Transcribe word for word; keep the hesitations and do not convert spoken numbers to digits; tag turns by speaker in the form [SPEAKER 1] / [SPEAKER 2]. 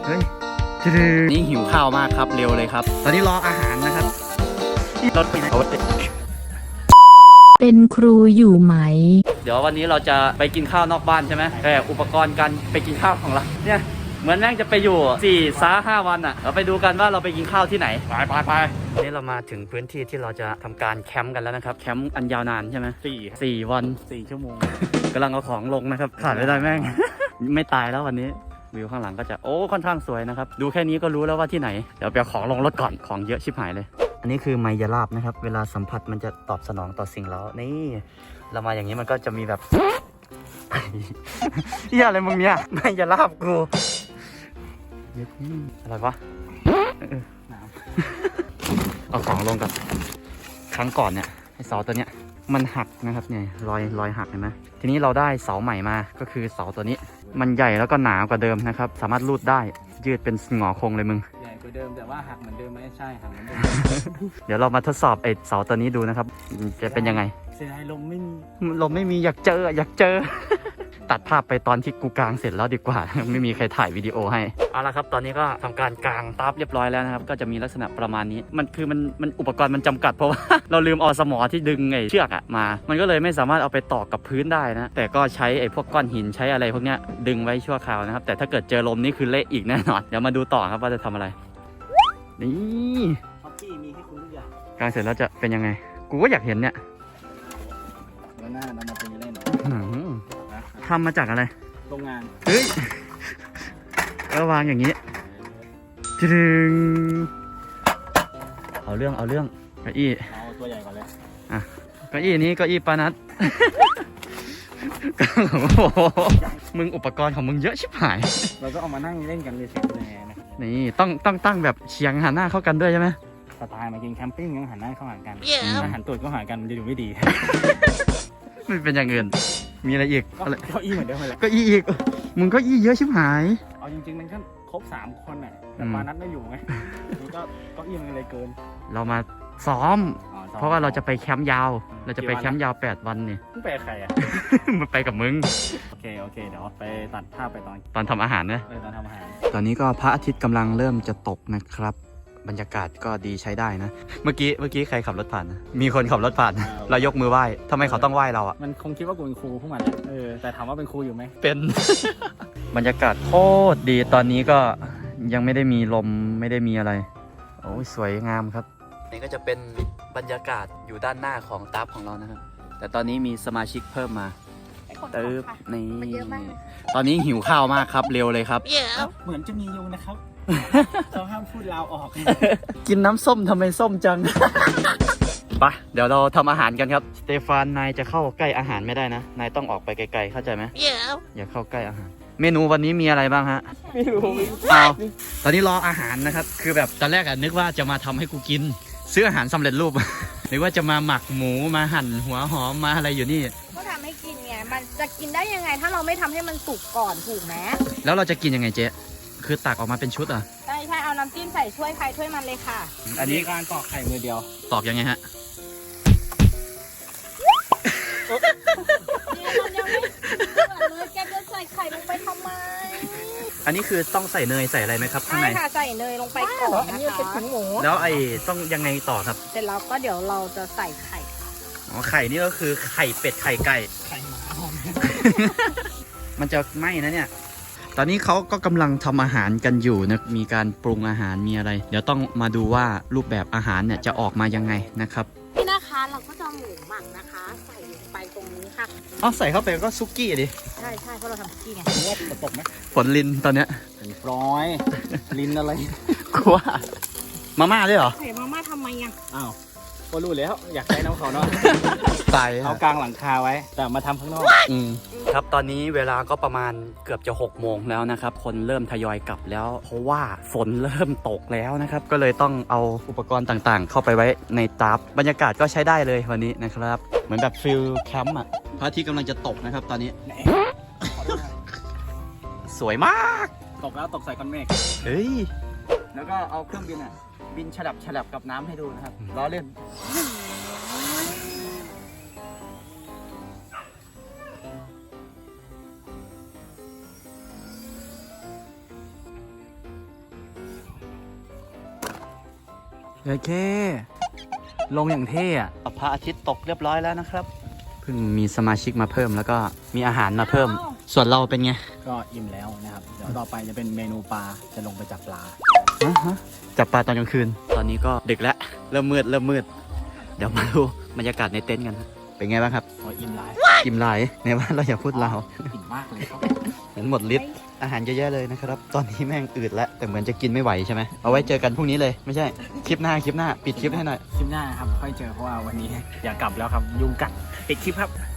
[SPEAKER 1] ฮ้ยนี่หิวข้าวมากครับเร็วเลยครับตอนนี้รออาหารนะครับรถไปไหน
[SPEAKER 2] เป็นครูอยู่ไหม
[SPEAKER 1] เดี๋ยววันนี้เราจะไปกินข้าวนอกบ้านใช่ไหมแต่อุปกรณ์การไปกินข้าวของเราเนี่ยเหมือนแม่งจะไปอยู่สี่ซาห้าวันอ่ะเราไปดูกันว่าเราไปกินข้าวที่ไหนไปไปไปนี่เรามาถึงพื้นที่ที่เราจะทำการแคมป์กันแล้วนะครับแคมป์อันยาวนานใช่ไหมสี่สี่วันสี่ชั่วโมงกำลังเอาของลงนะครับขาดไม่ได้แม่ง ไม่ตายแล้ววันนี้วิวข้างหลังก็จะโอ้ค่อนข้างสวยนะครับดูแค่นี้ก็รู้แล้วว่าที่ไหนเดี๋ยวไปเอาของลงรถก่อนของเยอะชิบหายเลยอันนี้คือไมยาลาบนะครับเวลาสัมผัสมันจะตอบสนองต่อสิ่งเร้านี่เรามาอย่างนี้มันก็จะมีแบบเฮียอะไรมึงเนี่ยไมยาลาบกูอะไรวะเอาของลงกับครั้งก่อนเนี่ยไอเสาตัวเนี้ยมันหักนะครับเนี่ยรอยรอยหักเห็นไหมทีนี้เราได้เสาใหม่มาก็คือเสาตัวนี้มันใหญ่แล้วก็หนากว่าเดิมนะครับสามารถรูดได้ยืดเป็นหงอคงเลยมึง
[SPEAKER 3] ใหญ่กว่าเดิมแต่ว่าหักเหมือนเดิมไหมใช่หักเหมือนเดิม
[SPEAKER 1] เดี๋ยวเรามาทดสอบไอเสาตัวนี้ดูนะครับจะเป็นยังไง
[SPEAKER 3] เสียดายลมไม่มี
[SPEAKER 1] ลมไม่มีอยากเจออยากเจอ ตัดภาพไปตอนที่กูกางเสร็จแล้วดีกว่า ไม่มีใครถ่ายวิดีโอให้เอาละครับตอนนี้ก็ทำการกางตับเรียบร้อยแล้วนะครับก็จะมีลักษณะประมาณนี้มันคือมันมันอุปกรณ์มันจำกัดเพราะว่า เราลืมเอาสมอที่ดึงไอ้เชือกอะมามันก็เลยไม่สามารถเอาไปต่อกับพื้นได้นะแต่ก็ใช้ไอ้พวกก้อนหินใช้อะไรพวกเนี้ยดึงไว้ชั่วคราวนะครับแต่ถ้าเกิดเจอลมนี่คือเละอีกแน่นอนเดี๋ยวมาดูต่อครับว่าจะทำอะไรนี่
[SPEAKER 3] ท็อปปี้มีให้คุณทุกอย่าง
[SPEAKER 1] กางเสร็จแล้วจะเป็นยังไงกูก็อยากเห็นเนี่ย
[SPEAKER 3] เดี๋ยวหน้าเรามาตีเล่น
[SPEAKER 1] ทำมาจากอะไร
[SPEAKER 3] โรงงาน
[SPEAKER 1] เฮ้ยก็วางอย่างนี้จึงเอาเรื่องเอาเรื่องเก้าอี้
[SPEAKER 3] เอาตัวใหญ่ก่อนเลย
[SPEAKER 1] อ่ะเก้าอี้นี้เก้าอี้ปานัดมึงอุปกรณ์ของมึงเยอะชิบหาย
[SPEAKER 3] เราก็เอามานั่งเล่นกันเลยเฉยๆนะ
[SPEAKER 1] นี่ต้องต้องตั้งแบบเฉียงหันหน้าเข้ากันด้วยใช่ไหม
[SPEAKER 3] สไตล์มากินแคมปิ้งยังหันหน้าเข้าหากันถ้าหันตูดก็หากันมันจะดูไม่ดี
[SPEAKER 1] ไม่เป็นอย่างอื่นมีอะไรอีก
[SPEAKER 3] เก้าอี้เหมือนเดิมเลย
[SPEAKER 1] เก้าอี้อีกมึงเก้าอี้เยอะชิบหาย
[SPEAKER 3] เอาจริงๆมันก็ครบสามคนน่ะแต่ปานัดไม่อยู่ไงนี่ก็เก้าอี้มันเลยเกิน
[SPEAKER 1] เรามาซ้อมเพราะว่าเราจะไปแคมป์ยาวเราจะไปแคมป์ยาวแปดวันนี่
[SPEAKER 3] มึงไปใครอ่ะ
[SPEAKER 1] มันไปกับมึง
[SPEAKER 3] โอเคโอเคเดี๋ยวไปตัดภาพไปตอน
[SPEAKER 1] ตอนทำอาหารนะ
[SPEAKER 3] ตอนทำอาหาร
[SPEAKER 1] ตอนนี้ก็พระอาทิตย์กำลังเริ่มจะตกนะครับบรรยากาศก็ดีใช้ได้นะเมื่อกี้เมื่อกี้ใครขับรถผ่านนะมีคนขับรถผ่านเรายกมือไหว้ทำไมเขาต้องไหว้เราอ่ะ
[SPEAKER 3] มันคงคิดว่ากูเป็นครูพวกมันเออแต่ถามว่าเป็นครูอยู่ไหม
[SPEAKER 1] เป็น บรรยากาศโคตรดีตอนนี้ก็ยังไม่ได้มีลมไม่ได้มีอะไรโอ้ยสวยงามครับนี่ก็จะเป็นบรรยากาศอยู่ด้านหน้าของตับของเรานะครับแต่ตอนนี้มีสมาชิกเพิ่มมาเติบนี่ตอนนี้หิวข้าวมากครับเร็วเลยครับ
[SPEAKER 3] เหมือนจะมียุงนะครับเราห้ามพูดลาวออก
[SPEAKER 1] กินน้ำส้มทำไมส้มจังปะเดี๋ยวเราทำอาหารกันครับสเตฟานนายจะเข้าใกล้อาหารไม่ได้นะนายต้องออกไปไกลๆเข้าใจไหมอย่าเข้าใกล้อาหารเมนูวันนี้มีอะไรบ้างฮะ
[SPEAKER 3] ไม่รู้
[SPEAKER 1] เอาตอนนี้รออาหารนะครับคือแบบตอนแรกอะนึกว่าจะมาทำให้กูกินซื้ออาหารสำเร็จรูปนึกว่าจะมาหมักหมูมาหั่นหัวหอมมาอะไรอยู่นี่
[SPEAKER 4] ก็ทำให้กินไงมันจะกินได้ยังไงถ้าเราไม่ทำให้มันสุกก่อนถูกไหม
[SPEAKER 1] แล้วเราจะกินยังไงเจ๊คือตักออกมาเป็นชุดเหรอ
[SPEAKER 4] ใช่ใช่เอาน้ำจิ้มใส่ถ้วยใครถ้วยมันเลยค่ะ
[SPEAKER 3] อันนี้การตอกไข่มือเดียว
[SPEAKER 1] ตอกยังไงฮะ
[SPEAKER 4] นี่มันยังไม่เดือดเลยแกจะใส่ไข่ลงไปทำไม
[SPEAKER 1] อันนี้คือต้องใส่เนยใส่อะไรไหมครับข้างใน
[SPEAKER 4] ใช่ค่ะใส่เนยลงไปก่อนนะคะ
[SPEAKER 1] แล้วไอ้ต้องยังไงต่อครับ
[SPEAKER 4] เสร็จแล้วก็เดี๋ยวเราจะใส่ไข่
[SPEAKER 1] อ๋อไข่นี่ก็คือไข่เป็ดไข่ไก่
[SPEAKER 3] ไข่หมา
[SPEAKER 1] มันจะไหม้นะเนี่ยตอนนี้เขาก็กำลังทำอาหารกันอยู่นะมีการปรุงอาหารมีอะไรเดี๋ยวต้องมาดูว่ารูปแบบอาหารเนี่ยจะออกมายังไงนะครับ
[SPEAKER 4] นี่นะคะเราก็จะหมูหมักนะคะใส่ลงไปตรงนี้ค่ะ
[SPEAKER 1] อ๋อใส่เข้าไปก็ซุกี้ดิ
[SPEAKER 4] ใช่ใช่เพราะเราทำซุกี้ไง
[SPEAKER 3] ว่าฝนตกไหม
[SPEAKER 1] ฝนลินตอนเนี้ย
[SPEAKER 3] ฝนร้อยลินอะไร
[SPEAKER 1] กลัวมาม่าด้วยเหรอ
[SPEAKER 4] ใส่มาม่าทำไมอ่ะ
[SPEAKER 3] อ้าวก็รู้แล้วอยากใช้น้ำเขาเนาะ
[SPEAKER 1] ใส่
[SPEAKER 3] เอากลางหลังคาไว้แต่มาทำข้างนอก
[SPEAKER 1] ครับตอนนี้เวลาก็ประมาณเกือบจะหกโมงแล้วนะครับคนเริ่มทยอยกลับแล้วเพราะว่าฝนเริ่มตกแล้วนะครับก็เลยต้องเอาอุปกรณ์ต่างๆเข้าไปไว้ในตับบรรยากาศก็ใช้ได้เลยวันนี้นะครับเหมือนแบบฟิลแคมป์อ่ะพระอาทิตย์กำลังจะตกนะครับตอนนี้สวยมาก
[SPEAKER 3] ตกแล้วตกใส่ก้อนเมฆ
[SPEAKER 1] เฮ้ย
[SPEAKER 3] แล้วก็เอาเครื่องบินอ่ะบินฉลับฉลับกับน้ำให้ดูนะครับล้อเล่นโอเค ลงอย่างเท่อะ
[SPEAKER 1] พระอาทิตย์ตกเรียบร้อยแล้วนะครับ เพิ่งมีสมาชิกมาเพิ่มแล้วก็มีอาหารมาเพิ่ม ส่วนเราเป็นไง
[SPEAKER 3] ก็อิ่มแล้วนะครับ เดี๋ยวต่อไปจะเป็นเมนูปลา จะลงไปจับปลา
[SPEAKER 1] ฮะฮะจับปลาตอนกลางคืน ตอนนี้ก็ดึกแล้ว เริ่มมืด เริ่มมืด เดี๋ยวมาดูบรรยากาศในเต็นท์กัน เป็นไงบ้างครับ
[SPEAKER 3] โอ้ยอิ่มหลาย
[SPEAKER 1] กิมลายในว่าเราอย่าพูดเรา
[SPEAKER 3] อิ่มมากเลยครับ
[SPEAKER 1] เหมือนหมดฤทธิ์อาหารเยอะแยะเลยนะครับ ตอนนี้แม่งอืดแล้ว แต่เหมือนจะกินไม่ไหวใช่ไหม เอาไว้เจอกันพรุ่งนี้เลย ไม่ใช่ คลิปหน้า คลิปหน้า ปิดคลิปให้หน่อย
[SPEAKER 3] คลิปหน้าครับ ค่อยเจอเพราะว่าวันนี้ อยากกลับแล้วครับ ยุงกัดปิดคลิปครับ